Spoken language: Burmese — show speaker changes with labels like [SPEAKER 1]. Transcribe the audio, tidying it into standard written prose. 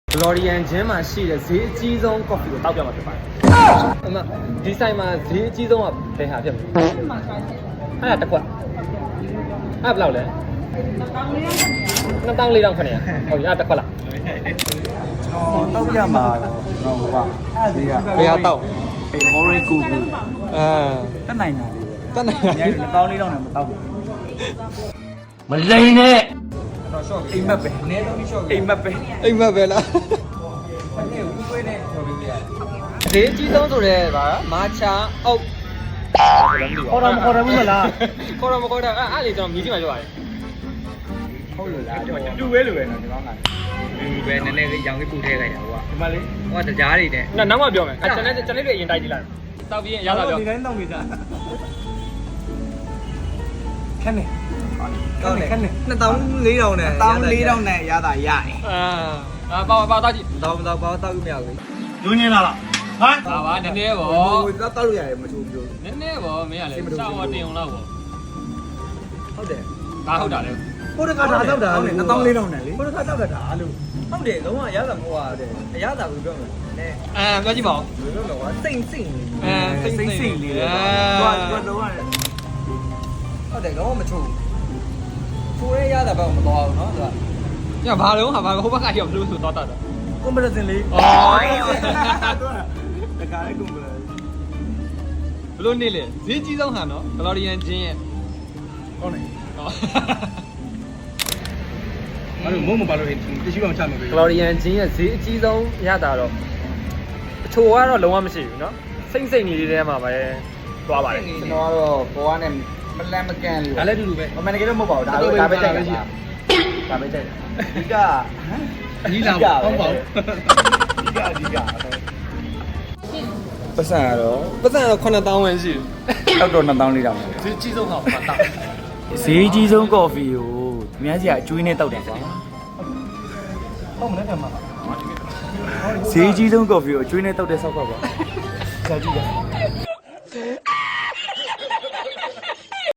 [SPEAKER 1] Glorian ချင်းမှာရှိတဲ့ဈေးအကြီးဆုံး coffee ကိုတောက်ပြမှာဖြစ်ပါတယ်။အမဒီဆိုင်မှာဈေးအကြီးဆုံးကဘယ်ဟာဖြစ်မလဲ။အဲ့ဒါတစ်ခွက်။အဲ့ဘယ်လောက်လဲ။2400ခနဲ့။ဟုတ်ပြီအဲ့တစ်ခွက်လား။
[SPEAKER 2] တောက်ပြမှာတော့ဟိုကဒီက
[SPEAKER 1] ဘယ်ဟာတောက်
[SPEAKER 2] အေး orange ကူကူ
[SPEAKER 1] အဲ
[SPEAKER 2] တက်နိုင်တာလေး
[SPEAKER 1] တက်နိုင်
[SPEAKER 2] အများကြီးကောင်းလေးတော့လည်းမတောက်ဘူး
[SPEAKER 1] မလိန်နဲ့
[SPEAKER 2] တော့ short အိမ်မက်ပဲအနည်းဆုံး short အိမ်မက်ပဲ
[SPEAKER 1] အိမ်မက်ပဲလား
[SPEAKER 2] အဲ့ဒီဦးသွေးနဲ့ဆိုပြီးရတယ်
[SPEAKER 1] ဈေးအကြီးဆုံးဆိုတဲ့ဗာမာချာအုတ်
[SPEAKER 2] ခေါ်တော့မခေါ်တယ်ဘူးမလား
[SPEAKER 1] ခေါ်တော့မခေါ်တော့အဲ့လေကျွန်တော်မြည်ကြည့်မှပြောရတယ်
[SPEAKER 2] ဟုတ်လို့လားတူပဲလိုပဲနော်ဒီကောင်ကဒီပဲနည်းနည်းလေးရောင်လေးပူထဲလိုက်တာဟိုကဒီမလေးဟိုကတရားတွေနဲ့
[SPEAKER 1] နောက်မှပြောမယ်ကျွန်တော်တွေအရင်တိုက်ကြည့်လိုက်တောက်ပြီးရင်ရတာပြော
[SPEAKER 2] ဒီတိုင်းတောက်နေတာခက်နေကောင်းတယ်ခက်နေ
[SPEAKER 1] 2400နဲ့
[SPEAKER 2] 1400နဲ့ရတာရတယ်
[SPEAKER 1] အာပါတောက်ကြည့်
[SPEAKER 2] တော့တော့ဘာတောက်လို့မရဘူး
[SPEAKER 3] လူညင်းလာလားဟမ်
[SPEAKER 1] ဒါပါနည်းနည်းပေါ့
[SPEAKER 2] ဟိုတောက်လို့ရတယ်မချိုးပြိုး
[SPEAKER 1] နည်းနည်းပေါ့မင်းကလည်းစောက်တင်အောင်လောက်ပေါ့
[SPEAKER 2] ဟုတ်တယ်
[SPEAKER 1] ဒါဟုတ်တာလေ
[SPEAKER 2] ကိုတခါဒါတောက်တာလေ2400နဲ့လေကိုတခါတောက်တာလို့ဟုတ်တယ်လုံးဝရတာမဟုတ်ပါဘူးအရသာကိုပြောမယ်နည်း
[SPEAKER 1] ပြောကြည့်ပါဦး
[SPEAKER 2] ဘယ်လိုလဲကွာစိတ်စိတ်
[SPEAKER 1] စိတ်လေး
[SPEAKER 2] လေးတော့တော့ဟုတ်တယ်တော့မချိုးချိုးရရတာတော့မတော်ဘူးเนาะသူက
[SPEAKER 1] ညဘာလုံးဟာဘာဟိုဘက်ကရောက်လို့ဆိုတော့တာ
[SPEAKER 2] comparison လေး
[SPEAKER 1] အော်
[SPEAKER 2] တခါလေး comparison
[SPEAKER 1] ဘလို့နေလေဈေးကြီးဆုံးဟာနော် Glorian ချင်းရဲ့
[SPEAKER 2] ဟုတ်နေ
[SPEAKER 1] ဟော
[SPEAKER 2] အဲ့လိုမုံမပါလို့တရှိအောင်ချမှာပဲ
[SPEAKER 1] Glorian ချင်းရဲ့ဈေးအကြီးဆုံးရတာတော့အချိုကတော့လုံးဝမရှိဘူးเนาะစိမ့်စိမ့်နေတဲ့ထဲမှာပဲသွားပါတယ်
[SPEAKER 2] ကျွန်တော်ကတော့ဘောကနဲ့မလန်မကန်လေး
[SPEAKER 1] ဒါလည်းအတူတူပဲ
[SPEAKER 2] မန်နေကတော့မဟုတ်ပါဘူးဒါပဲကြိုက်တာဒါပဲကြိုက်တာဒီက
[SPEAKER 1] ကြီးလာပေါ့ဟုတ်ပါဘူး
[SPEAKER 2] ဒီကပတ်စံကတော့
[SPEAKER 1] ပတ်စံတော့9000ဝန်းရှိတယ်
[SPEAKER 2] တောက်တော့2400တောင်
[SPEAKER 1] ဈေးကြီးဆုံးဟာပါတာ
[SPEAKER 2] ဈေးကြီးဆုံးကော်ဖီကိုအများကြီးအကျွေးနဲ့တောက်တယ်ကွာဟုတ်မလဲကမဈေးကြီးဆုံးကော်ဖီကိုအကျွေးနဲ့တောက်တဲ့ဆောက်ကကွာကြာကြည့်ရ